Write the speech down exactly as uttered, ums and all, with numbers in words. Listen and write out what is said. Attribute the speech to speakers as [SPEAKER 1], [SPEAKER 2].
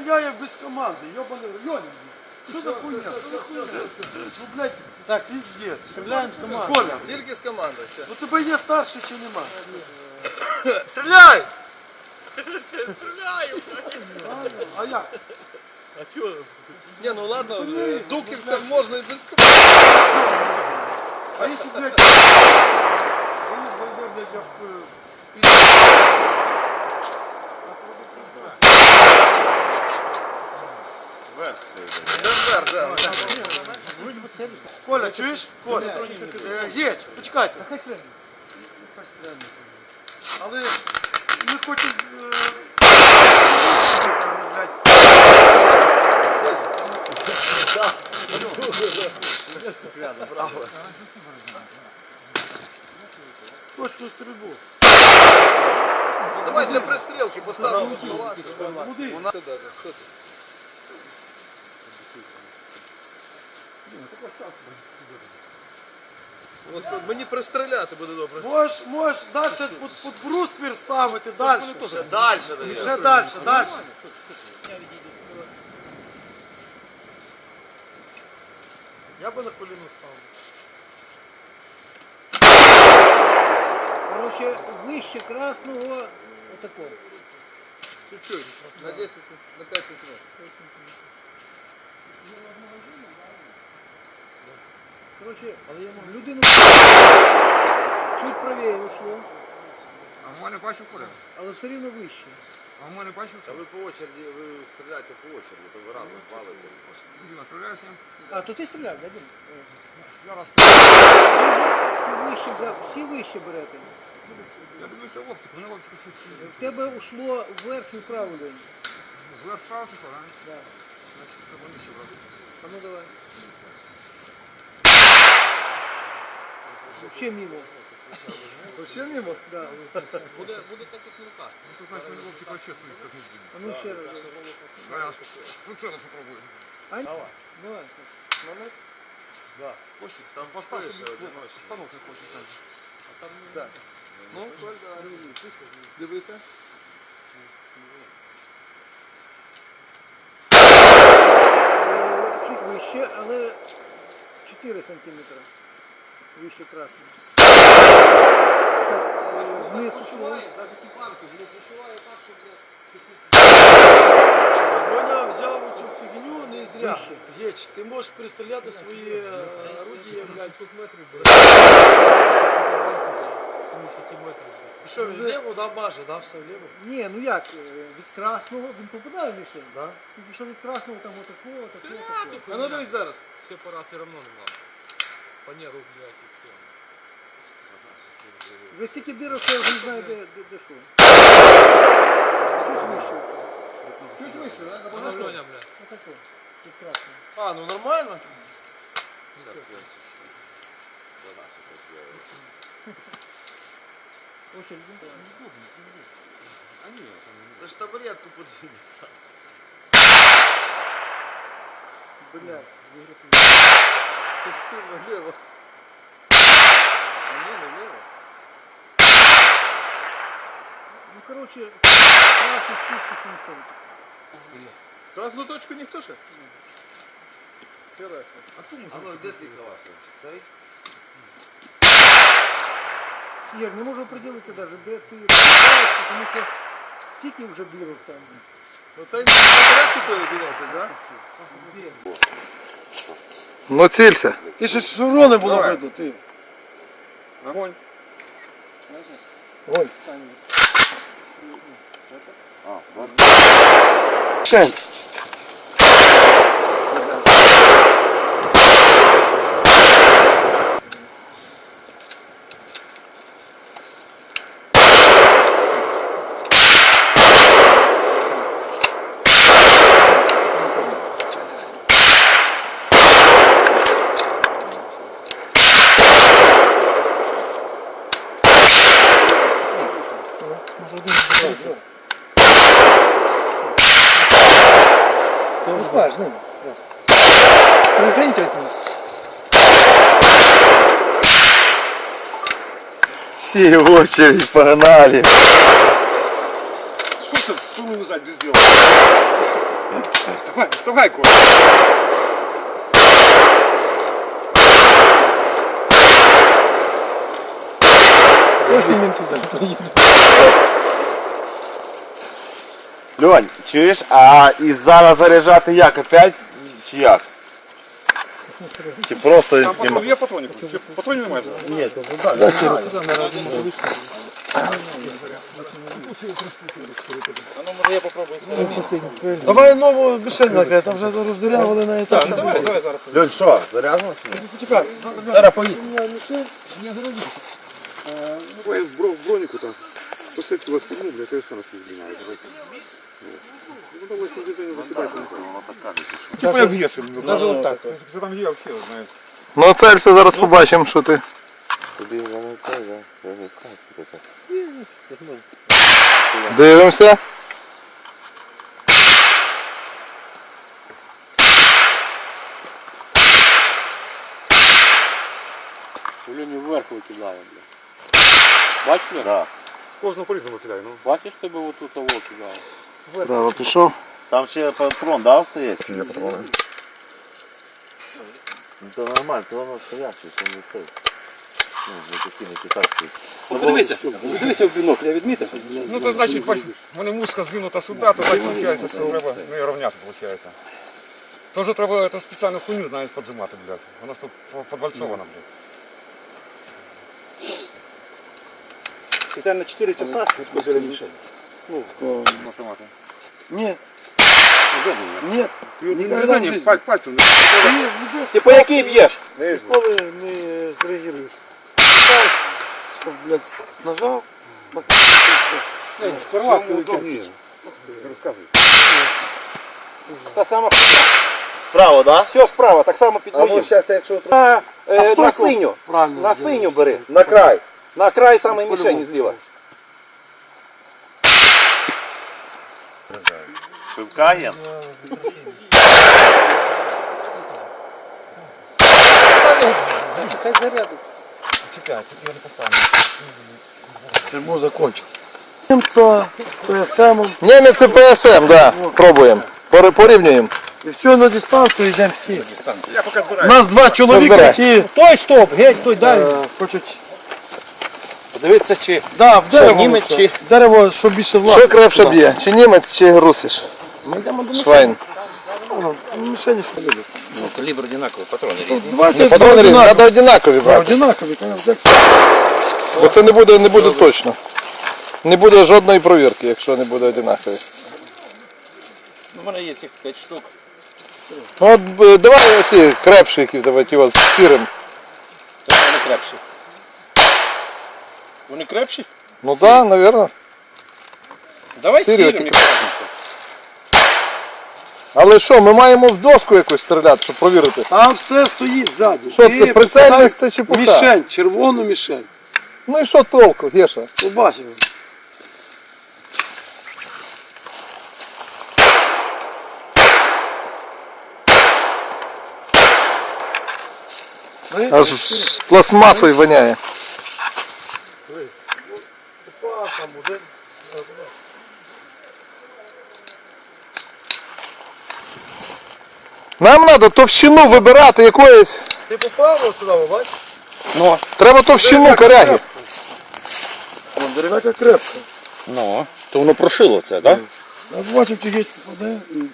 [SPEAKER 1] стреляю без команды, ёбаный Лёня. Что за хуйня? Ну, блядь, так, пиздец. Стреляем с команды.
[SPEAKER 2] Коля, тільки з командою.
[SPEAKER 1] Ну тебе є старший чи нема?
[SPEAKER 3] Стреляй! Стреляю!
[SPEAKER 1] А як?
[SPEAKER 3] А чё?
[SPEAKER 2] Ні, ну ладно, дуківцям можна і без команди.
[SPEAKER 1] А если, блядь, залез, зайдет, блядь, я в...
[SPEAKER 2] Вверх, да.
[SPEAKER 1] Коля, чуєш? Коля, е, їдь, почекайте. Хай стрельне. Хай стрельне. Але ми хочемо... Блядь. Точну стрільбу.
[SPEAKER 2] Давай для пристрілки поставимо.
[SPEAKER 1] Куди?
[SPEAKER 2] Вона сюди, що ти? От мені пристріляти буде добре.
[SPEAKER 1] Можеш, можеш далі під, під бруствір ставити, далі.
[SPEAKER 2] Далі,
[SPEAKER 1] Вже далі, далі. Я би на коліну ставив.
[SPEAKER 4] Короче, вище красного отакого.
[SPEAKER 2] Чуть-чуть, на десять, на п'ять сантиметрів.
[SPEAKER 4] Короче, людину чуть правее ушло,
[SPEAKER 3] А в мене бачив Коля?
[SPEAKER 4] але все рівно вище.
[SPEAKER 3] А в мене бачив?
[SPEAKER 2] А ви по очереді, ви стріляєте по очереді, то ви разом валите.
[SPEAKER 3] Діма, стріляєш ним?
[SPEAKER 4] А, то ти стріляв, да, Дім?
[SPEAKER 3] Я раз стріляю.
[SPEAKER 4] Ти вище брав, всі вище берете.
[SPEAKER 3] Я дивився в оптику, на оптику щось.
[SPEAKER 4] В тебе ушло вверх і вправо лінію.
[SPEAKER 3] Вверх справа пішло, а?
[SPEAKER 4] Да.
[SPEAKER 3] Значить, треба нижче брати.
[SPEAKER 4] А ну давай. Вообще мимо.
[SPEAKER 2] Вообще мимо?
[SPEAKER 4] Да.
[SPEAKER 3] Буде, буде так, як на руках. Ну, тут, значить, на оптику вообще стоїть, як не збігне.
[SPEAKER 4] А ну ще раз.
[SPEAKER 3] А я прицелом попробую.
[SPEAKER 4] А? Давай.
[SPEAKER 2] На нас?
[SPEAKER 3] Хочеш?
[SPEAKER 2] Там
[SPEAKER 3] Поставь
[SPEAKER 2] пише
[SPEAKER 3] собі
[SPEAKER 2] одиночний.
[SPEAKER 3] станок, як хочеш. так. А там
[SPEAKER 2] Так. Ну, Коль, давай. Дивися.
[SPEAKER 4] Чуть вище, але чотири сантиметри. Вище красного. Вниз ушло.
[SPEAKER 3] навіть ті банки, воно прошиває так, що, блядь,
[SPEAKER 1] Льоня взяв цю фігню не зря. Геч, ти можеш пристріляти свої е, орудія, блядь. І що, він вліво, да, маже, да, все вліво?
[SPEAKER 4] Ні, ну як, е, від красного він попадає в мішень.
[SPEAKER 1] Да?
[SPEAKER 4] Тільки що від красного там отакого, отакого, отакого.
[SPEAKER 2] А ну дивись зараз.
[SPEAKER 3] все пора все равно не надо. Фанеру, блядь, і все.
[SPEAKER 4] Вже стільки дирок, що я вже не знаю, де, де, де що. Чуть вище.
[SPEAKER 2] Чуть вище, да?
[SPEAKER 3] Ну,
[SPEAKER 2] Набагато.
[SPEAKER 3] Льоня, блядь.
[SPEAKER 4] Отакого. Від красного.
[SPEAKER 1] А, ну нормально.
[SPEAKER 4] Очередь.
[SPEAKER 3] А ні,
[SPEAKER 2] Це ж табуретку подвинь.
[SPEAKER 4] Блядь, виграти.
[SPEAKER 2] Щось сильно вліво. А ні, не вліво.
[SPEAKER 4] Ну, короче, красну штучку ще не ходить.
[SPEAKER 2] Красну точку ніхто ще? Интересно.
[SPEAKER 3] а
[SPEAKER 2] А ну, де твій калашник? Цей?
[SPEAKER 4] Ігор, не можу определити навіть, де ти попадаєш, тому що стільки вже дирок там.
[SPEAKER 2] Ну цей табурет купили бінокль, да?
[SPEAKER 5] Ну цілься.
[SPEAKER 1] Ти ще шевро не було видно, ти.
[SPEAKER 2] Огонь.
[SPEAKER 1] Ой.
[SPEAKER 5] Шень.
[SPEAKER 4] Ну, важно. Ну, извините, возьми.
[SPEAKER 5] Все в очередь погнали.
[SPEAKER 2] Що ти сунув зад без діла?
[SPEAKER 3] Вставай, вставай, Коля.
[SPEAKER 4] Точно не туди.
[SPEAKER 6] Льонь, чуєш, а і зараз заряджати як опять? Чи як? Чи просто
[SPEAKER 3] Там
[SPEAKER 6] знімати?
[SPEAKER 3] патрон, є патронник? Чи патронів немає?
[SPEAKER 1] Ні, то так. Давай нову мішень накрити, там вже роздирявали на етап.
[SPEAKER 3] Давай, давай зараз.
[SPEAKER 6] Льонь, що, заряджено?
[SPEAKER 1] Почекай.
[SPEAKER 6] Зараз поїдь.
[SPEAKER 3] Давай в бро- в бронику там. Посадки вас фигню, для тебя сам снимаю. Ну давай с движение выкидать. Типа як гешем.
[SPEAKER 1] Даже от так.
[SPEAKER 3] Що там є вообще, знаєш.
[SPEAKER 5] Ну целься, зараз побачимо, що ти.
[SPEAKER 6] Тобі воно так, так?
[SPEAKER 5] Дивимося.
[SPEAKER 6] Льоні вверх викидає, бля. Бачиш, Льоня? Да.
[SPEAKER 3] Кожного по-різному кидає, ну.
[SPEAKER 6] Бачиш, тебе отут того кидає?
[SPEAKER 5] Право пішов.
[SPEAKER 6] Там ще патрон, да, остається? Є патрони. Ну то нормально, то воно стоячий, це не цей. Ну, не такі, не китайські.
[SPEAKER 1] Подивися, подивися в бінокль, я відмітив.
[SPEAKER 3] Ну то значить, бач, в мене мушка звинута сюди, то так виходить, що треба не рівняти, виходить. Тоже треба эту спеціальну хуйню, знаєш, поджимати, блядь. Вона ж тут подвальцована, блядь.
[SPEAKER 1] І на чотири часа відходили мішень.
[SPEAKER 3] Автомати.
[SPEAKER 1] Ні. Ні.
[SPEAKER 3] Ніколи не паль, пальцем.
[SPEAKER 1] Ти по якій б'єш? Ніколи не зреагуєш. Ставиш, щоб, блядь, нажав, порвав.
[SPEAKER 3] Розказуй.
[SPEAKER 1] Та сама
[SPEAKER 6] Справа, да?
[SPEAKER 1] все справа, так само під
[SPEAKER 6] А ну
[SPEAKER 1] моїм.
[SPEAKER 6] зараз, якщо...
[SPEAKER 1] На, е,
[SPEAKER 6] стой,
[SPEAKER 1] на
[SPEAKER 6] стой.
[SPEAKER 1] синю.
[SPEAKER 4] Правильно.
[SPEAKER 1] На синю бери.
[SPEAKER 6] На край.
[SPEAKER 1] На край самої мішені зліва.
[SPEAKER 6] Пивкаєн?
[SPEAKER 4] Хай зарядить.
[SPEAKER 3] Чекай, тут я не поставлю.
[SPEAKER 1] Чому закончив? Немца, ПСМ.
[SPEAKER 5] Німець і ПСМ, да. Пробуємо. Пори- Порівнюємо.
[SPEAKER 1] І все, на дистанцію йдемо всі.
[SPEAKER 3] Я поки
[SPEAKER 1] У
[SPEAKER 3] збираю.
[SPEAKER 1] нас два чоловіка,
[SPEAKER 5] Розбирай.
[SPEAKER 1] які... Той стоп, геть, той далі. Хочуть...
[SPEAKER 3] Подивитися, чи
[SPEAKER 1] Да, в дерево.
[SPEAKER 3] німець
[SPEAKER 1] це.
[SPEAKER 3] чи-
[SPEAKER 1] Дерево, що більше власне.
[SPEAKER 5] Що крепше б'є? Чи німець, чи русиш?
[SPEAKER 1] Ми йдемо до
[SPEAKER 5] Швайн.
[SPEAKER 1] мішені, що любить.
[SPEAKER 3] ну, калібр одинаковий, патрони різні.
[SPEAKER 1] Давайте
[SPEAKER 5] Патрони різні,
[SPEAKER 1] одинакові.
[SPEAKER 5] треба одинакові брати.
[SPEAKER 1] Одинакові, конечно.
[SPEAKER 5] Бо це не буде, не буде точно. Не буде жодної провірки, якщо не буде одинакові.
[SPEAKER 3] У мене є цих п'ять штук.
[SPEAKER 5] Ну от е, давай оці крепші, які давай ті от з сірим.
[SPEAKER 3] Це вони крепші. Вони крепші?
[SPEAKER 5] Ну так, да, навірно.
[SPEAKER 3] Давай
[SPEAKER 5] Сірі
[SPEAKER 3] сірим,
[SPEAKER 5] оті
[SPEAKER 3] не
[SPEAKER 5] крепші.
[SPEAKER 3] крепші.
[SPEAKER 5] Але що, ми маємо в доску якусь стріляти, щоб провірити.
[SPEAKER 1] Там все стоїть ззаді.
[SPEAKER 5] Що
[SPEAKER 1] Ти
[SPEAKER 5] це, прицельність це чепуха?
[SPEAKER 1] Мішень, червону мішень.
[SPEAKER 5] Ну і що толку, Геша?
[SPEAKER 1] Побачив.
[SPEAKER 5] Аж з пластмасою воняє. Нам треба товщину вибирати якоїсь.
[SPEAKER 1] Ти попав от сюди, бачиш?
[SPEAKER 5] Ну. Треба товщину коряги.
[SPEAKER 1] Вон дерев'яка крепка.
[SPEAKER 3] Ну, то воно прошило це, так?
[SPEAKER 1] Я бачив, чи геть попаде.